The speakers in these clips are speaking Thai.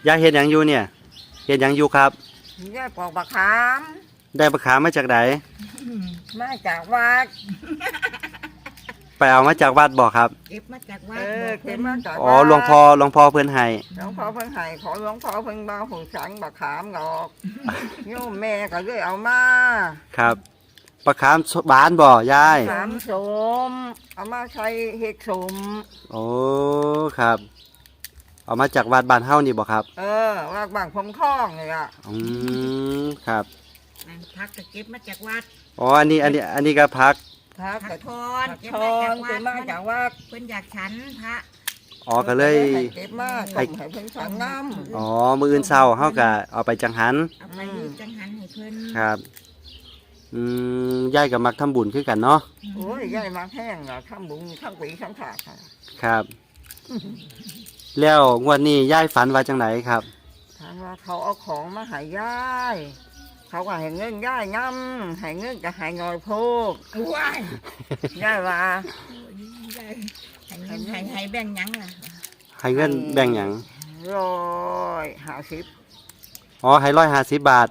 ยายเฮ็ดหยังอยู่เนี่ยเฮ็ดหยังอยู่ครับยายปอกบักขามได้บักขามมาจากไหนมาจากวัดไปเอามาจากวัดบ่ครับเก็บมาจากวัดเก็บมาจากอ๋อหลวงพ่อเพิ่นให้หลวงพ่อเพิ่นให้ขอหลวงพ่อเพิ่นบ่หูสังบักขามดอกโยมแม่ก็เลยเอามาครับบักขามบานบ่ยายขามสมเอามาใช้เฮ็ดสมโอ้ครับเอามาจากวัดบ้านเฮานี่บ่ครับวัดบางพงคล้องนี่ล่ะครับพักก็เก็บมาจากวัดอ๋ออันนี้ก็พักกระทอนเก็บมาจากวัดเพิ่นอยากฉันพระอ๋อก็เลยเก็บมาให้เพิ่นฉันน้ำอ๋อมื้ออื่นเช้าเฮาก็เอาไปจังหันเอาไปจังหันให้เพิ่นครับยายก็มักทำบุญคือกันเนาะโอ้ยยายมักแห้งอ่ะทำบุญทั้งปีทั้งชาติครับแล้วงวดนี้ยายฝันว่าจังไหนครับถามว่าเขาเอาของมาให้ยายเขาก็ให้เงินยายน้ำให้เงินก็ให้งอยโพกว้ายยายว่าให้เงินให้แบ่งยังล่ะให้เงินแบ่งหยัง 150 อ๋อให้150 บาท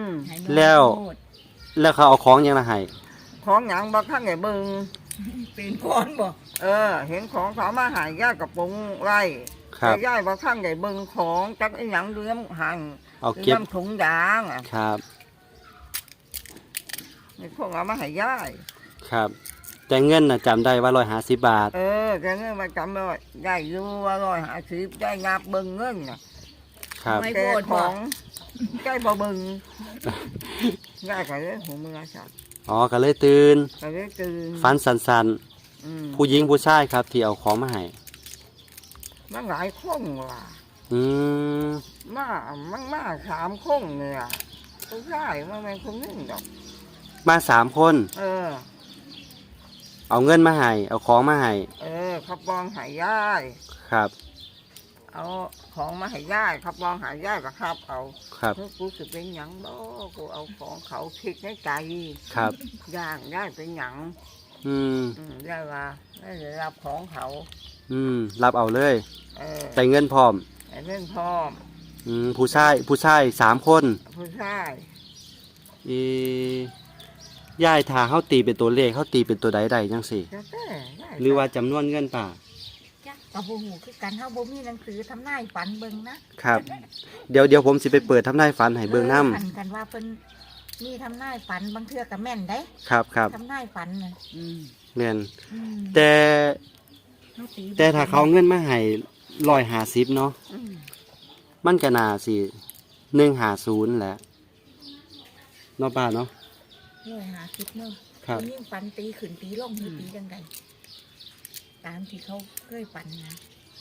แล้วเขาเอาของยังละให้ของหยังบ่ข้างไหนบึงเป็นก้อนบ่เห็นของเขามาให้ยายกับปุงไร่แต่ยายบ่ข้างไหนบึงของจักไอ้หยังเลี้ยงหั่งเอาเก็บถุงยางครับนี่พวกเอามาให้ยายครับแต่เงินน่ะจำได้ว่า150 บาทแต่เงินมาจำได้ยายอยู่ว่า150ยายงับบึงเงินน่ะครับแต่ของยายบ่บึงยายก็เลยหูมือสั่นอ๋อก็เลยตื่นฝันสันๆผู้หญิงผู้ชายครับที่เอาของมาให้มันหลายคนว่ะมา3คนเนี่ยผู้ชายมันเป็นคนนึงดอกมา3 คนเอาเงินมาให้เอาของมาให้เขาปองให้ยายครับเอาของมาให้ยายเขาปองให้ยายก็ครับเอาครับกูจะเป็นหยังบ่กูเอาของเขาคิดในใจครับย่างยายเป็นหยังยายว่าได้รับของเขารับเอาเลยแต่เงินพร้อมผู้ชาย3 คนผู้ชายยายถ้าเขาตีเป็นตัวเลขเขาตีเป็นตัวใดจังสิหรือว่าจำนวนเงินป่าโอ้โหคือการเฮาบ่มีหนังสือทำนายฝันเบิ่งนะครับเดี๋ยวผมสิไปเปิดทำนายฝันให้เบิ่งนำฝันกันว่าเพิ่นมีทำนายฝันบางเทื่อก็แม่นได้ครับทำนายฝันน่ะแม่นแต่ถ้าเขาเงินมาให้150เนาะมันก็น่าสิ150แหละเนาะป้าเนาะ 150เนาะคนยิ่งฝันตีขึ้นตีลงตีจังไดตามที่เขาเคยฝันนะ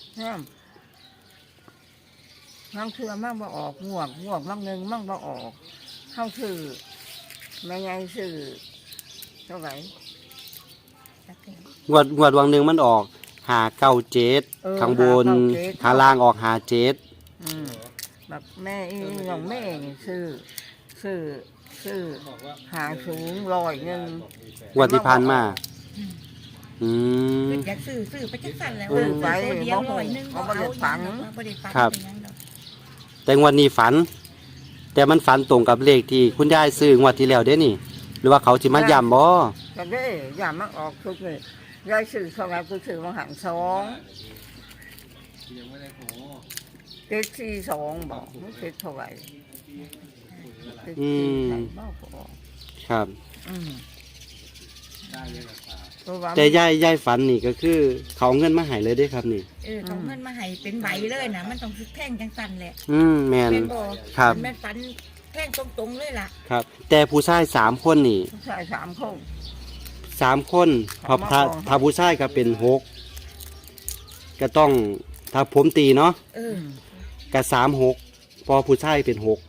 น้ำเชื่อมั่งบ่ออกงวกมั่งนึงมั่งบ่ออกเข้าชื่อแม่ยายชื่อเท่าไหร่งวดวังนึงมันออก597ข้างบนข้างล่างออก57 แบบแม่น้องแม่ชื่อหาสูง100 งวดที่ผ่านมาอยากซื้อไปจังสั่นแล้วไปเดียว100 เขาบ่ได้ฝันครับแต่งวดนี้ฝันแต่มันฝันตรงกับเลขที่คุณยายซื้องวดที่แล้วเด้นี่หรือว่าเขาสิมาย้ำบ่ก็ได้ย้ำมันออกทุกเลยยายซื้อเท่าไหร่กูซื้อมาหัน2ยังไม่ได้ขอ742บอกมันคิดเท่าไหร่ครับแต่ยายฝันนี่ก็คือเขาเงินมาให้เลยได้ครับนี่เขาเงินมาให้เป็นใบเลยนะมันต้องแท่งจังสันแหละแม่นครับแม่ฝันแท่งตรงๆเลยล่ะครับแต่ผู้ชาย3 คนนี่ผู้ชาย3 คน 3 คนถ้าผู้ชายก็เป็น6ก็ต้องถ้าผมตีเนาะก็36พอผู้ชายเป็น6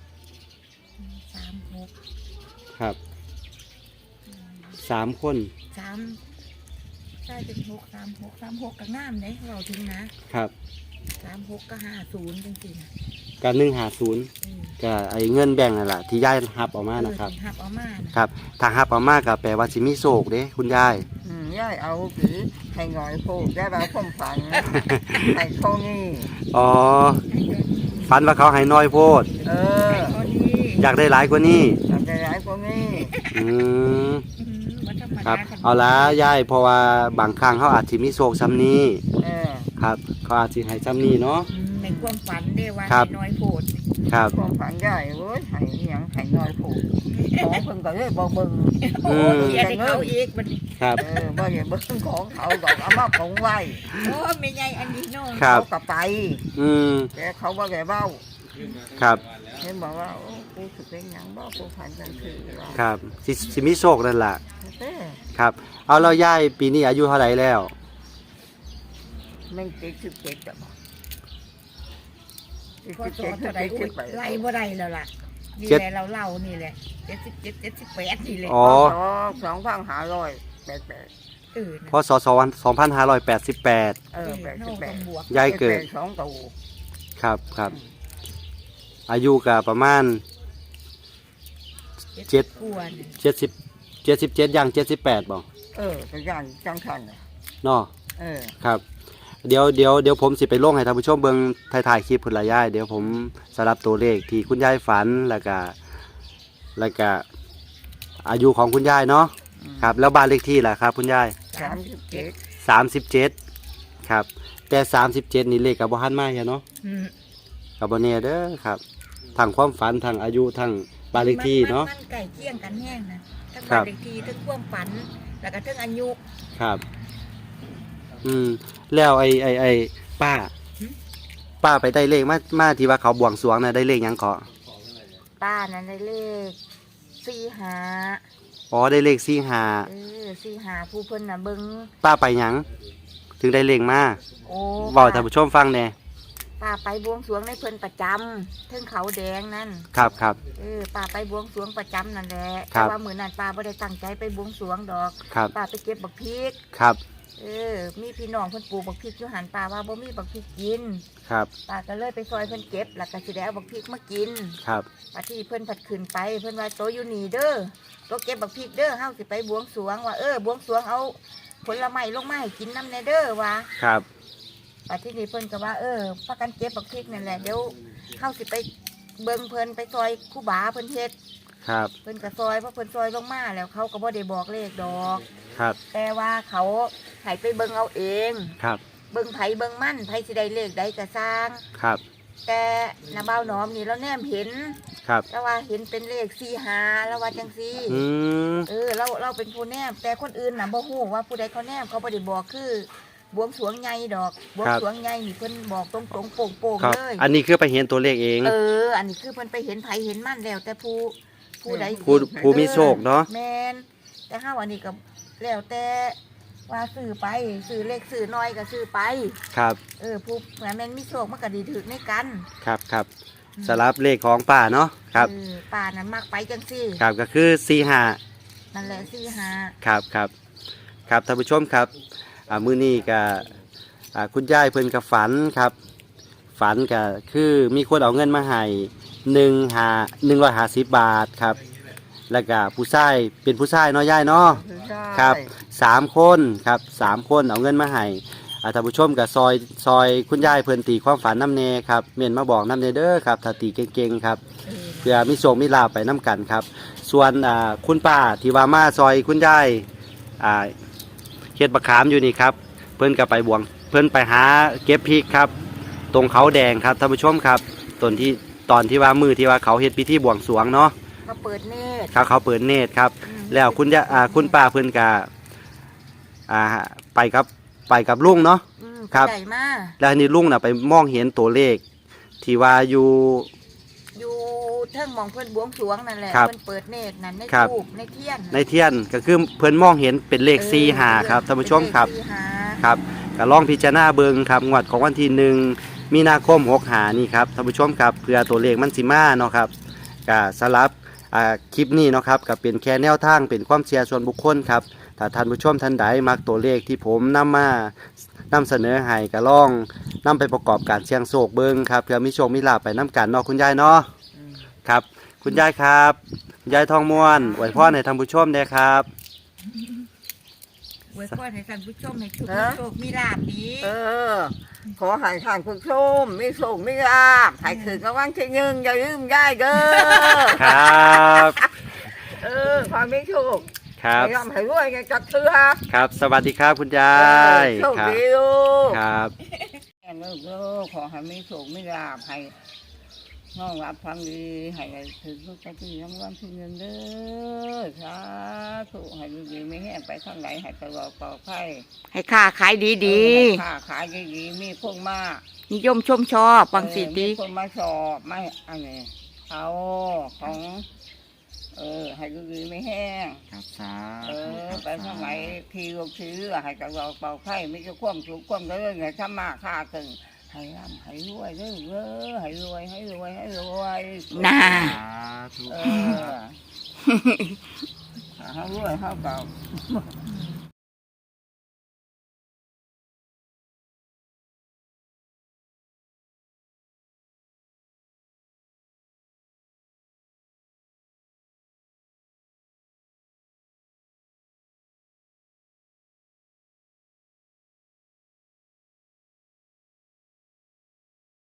ครับ3 คนใช่เป็น36กับน้ำเลยเราทิ้งนะครับ36ก็50จริงๆกับ150ก็ไอ้เงินแบ่งนั่นแหละที่ยายหับออกมานะครับหับออกมาครับถ้าหับออกมาก็แปลว่าสิมีโศกเด้คุณยายยายเอาผีให้หน่อยโผล่ได้แบบผมฝันให้โชนี่อ๋อฝันว่าเขาให้น้อยโพดเออพอดีอยากได้หลายกว่านี้ทำใจร้ายกว่านี้อืมมันธรรมครัดาบเอาละยายเพราะว่าบางครั้งเขาอาจสิมีโชคซ้ำนี้เออครับเขาอาจสิให้ซ้ำนี้เนาะในความฝันได้ว่าครับน้อยโพดครับความฝันใหญ่เว้ยให้อิหยังให้น้อยผูกของเพิ่นก็เลยบ่เบิ่งโอ้เขียนให้เขาอีกมันครับเออบ่ได้เบิ่งของเขาดอกเอามาของไว้โอ้ไม่ใหญ่อันนี้เน้องครับเขาก็ไปอืมแต่เขาบ่ได้เว้าครับเห็นบอกว่าโอ้กูสิเป็นหยังบ่กูฝันจังซี่ว่าครับสิมีโชคนั่นล่ะเด้อครับ เอาเรายายปีนี้อายุเท่าไหร่แล้วมัน77จ้ะบ่พอสอนเท่าไหร่อุ้ยไล่บ่ได้แล้วล่ะนี่แหละเราเล่านี่แหละ77 78นี่แหละอ๋อ 2588 นะพศ2588 เออเท่าต้องบวกยายเกิดสองตัวครับครับ อายุก็ประมาณ เจ็ดกวนย 77ย่าง78บ่เออก็ย่านจังซั่นน่ะเนาะเออครับ เดี๋ยวผมสิไปลงให้ท่านผู้ชมเบิ่งถ่ายคลิปพุ่นละยายเดี๋ยวผมสลับตัวเลขที่คุณยายฝันแล้วก็อายุของคุณยายเนาะครับแล้วบ้านเลขที่ล่ะครับคุณยาย 37 37ครับแต่37นี่เลขก็บ่ทันมาเนาะอืมก็บ่แน่เด้อครับทั้งความฝันทั้งอายุทั้งบ้านเลขที่เนาะมันใกล้เคียงกันแห้งนะทั้งครับ้านบเลขที่ทั้งความฝันแล้วก็ทั้งอายุครับ แล้วไอ้ป้า ป้าไปได้เลขมาที่ว่าเขาบวงสรวงน่ะได้เลขหยังเกาะป้านั้นได้เลข45 อ๋อได้เลข45 45ผู้เพิ่นน่ะเบิ่งป้าไปหยังถึงได้เลขมาโอ้เว้าให้ท่านผู้ชมฟังแหน่ป้าไปบวงสรวงในเพิ่นประจำเทิงเขาแดงนั่นครับครับป้าไปบวงสรวงประจำนั่นแหละครัแต่บว่ามื้อนั้นป้าบ่ได้ตั้งใจไปบวงสรวงดอกครับป้าไปเก็บบักพริกครับมีพี่น้องเพิ่นปลูกบักพริกอยู่หันป้าว่าบ่มีบักพริกกินครับป้าก็เลยไปซอยเพิ่นเก็บแล้วก็สิได้เอาบักพริกมากินครับป้าที่เพิ่นผัดขึ้นไปเพิ่นว่าโตอยู่นี่เด้อโตเก็บบักพริกเด้อเฮาสิไปบวงสรวงว่าบวงสรวงเอาผลไม้ลงมาให้กินนำแน่เด้อว่าครับป้าที่นี่เพิ่นก็ว่าพากันเก็บบักพริกนั่นแหละเดี๋ยวเฮาสิไปเบิ่งเพิ่นไปซอยครูบาเพิ่นเฮ็ดครับเพิ่นก็ซอยเพราะเพิ่นซอยลงมาแล้วเขาก็บ่ได้บอกเลขดอกครับแต่ว่าเขาให้ไปเบิ่งเอาเองครับเบิ่งไผเบิ่งมั่นไผสิได้เลขใดก็สร้างครับแต่นาบ่าวหนอมนี่เราแนมเห็นครับแล้วว่าเห็นเป็นเลข45แล้วว่าจังซี่อืมเราเป็นผู้แนมแต่คนอื่นน่ะบ่ฮู้ว่าผู้ใดเขาแนมเขาบ่ได้บอกคือบวงสรวงใหญ่ดอกบวงสรวงใหญ่นี่เพิ่นบอกตรงๆโป่งครับๆเลยอันนี้คือไปเห็นตัวเลขเองอันนี้คือเพิ่นไปเห็นไผเห็นมั่นแล้วแต่ผู้ใดผู้มีโชคเนาะแม่นแต่เฮาอันนี้ก็แล้วแต่ว่าซื้อไปซื้อเลขซื้อน้อยก็ซื้อไปครับผู้แม่นมีโชคมันก็ดีถึกในกันครับครับสลับเลขของป้าเนาะครับป่านั้นมักไปจังซี่ครับก็คือ45 นั่นแหละ45 ครับครับครับท่านผู้ชมครับมื้อนี้ก็คุณยายเพิ่นก็ฝันครับ ฝันก็คือมีคนเอาเงินมาให้150 บาทครับ แล้วก็ผู้ชายเป็นผู้ชายเนาะยายเนาะครับ3คนครับ3คนเอาเงินมาให้ท่านผู้ชมก็ซอยคุณยายเพิ่นตีความฝันน้ำเนครับเม่นมาบอกน้ำเนเด้อครับถ้าตีเก่งๆครับเพื่อมีโชคมีลาภไปน้ำกันครับ ส่วนคุณป้าที่ว่ามาซอยคุณยายเฮ็ดบักขามอยู่นี่ครับเพิ่นก็ไปบวงเพิ่นไปหาเก็บพริกครับ ตรงเขาแดงครับท่านผู้ชมครับตอนที่ว่ามือที่ว่าเขาเฮ็ดพิธีบวงสรวงเนาะเขาเปิดเนตรครับเขาเปิดเนตรครับ แล้วคุณป้าเพิ่นก็ไปกับลุงเนาะ ครับใหญ่มากแล้วนี่ลุงน่ะไปมองเห็นตัวเลขที่ว่าอยู่อยู่เทิงหมองเพิ่นบวงสรวงนั่นแหละครับเพิ่นเปิดเนตรนั่นในครับทูบในเทียนในเทียนก็คือเพิ่นมองเห็นเป็นเลข45ครับท่านผู้ชมครับเป็นเลข45 ครับก็ลองพิจารณาเบิ่งครับงวดของวันที่1มีนาคม65นี่ครับท่านผู้ชมครับเพื่อตัวเลขมันสิมาเนาะครับก็สำหรับคลิปนี้เนาะครับก็เป็นแค่แนวทางเป็นความเชื่อส่วนบุคคลครับถ้าท่านผู้ชมท่านใดมักตัวเลขที่ผมนำเสนอให้ก็ลองนำไปประกอบการเสี่ยงโชคเบิ่งครับเพื่อมีโชคมีลาภไปนํกันเนาะคุณยายเนาะครับคุณยายครับคุณยายทองม้วนอวยพรให้ท่านผู้ชมด้วยครับอวยพรให้ท่านผู้ชมให้ทุกฮะโชคมีลาภดีขอให้ท่านผู้ชมมีโชคมีลาภให้ถึงรางวัลที่หนึ่งอย่าลืมได้เด้อครับความไม่โชคครับให้ร่ำให้รวยกันจัดเถื่อครับสวัสดีครับคุณยายโชคครับดีลูกครับแม่ลูกขอให้มีโชคมีลาภให้น้องรับความดีให้ถึงลูกจะที่รางวัลที่หนึ่งเด้อสาธุให้ดีๆไม่แห้งไปข้างไหนให้ตลอดปลอดภัยให้ค้าขายดีค้าขายดีๆมีคนมาๆนิยมชมชอบฟังสิดีมีคนมาสอบไม่อันนี้เอาของให้ดีๆไม่แห้งครับสาไปทางไหนทีลูกชื้อให้กับเราเป่าไข่ไม่จะคว่ำสุขคว่ำเรื่องไงถ้ามาค่าตึงให้ร่ำให้รวยเด้อให้รวยให้รวยให้รวยน่าสาธุให้รวยเขาเก่า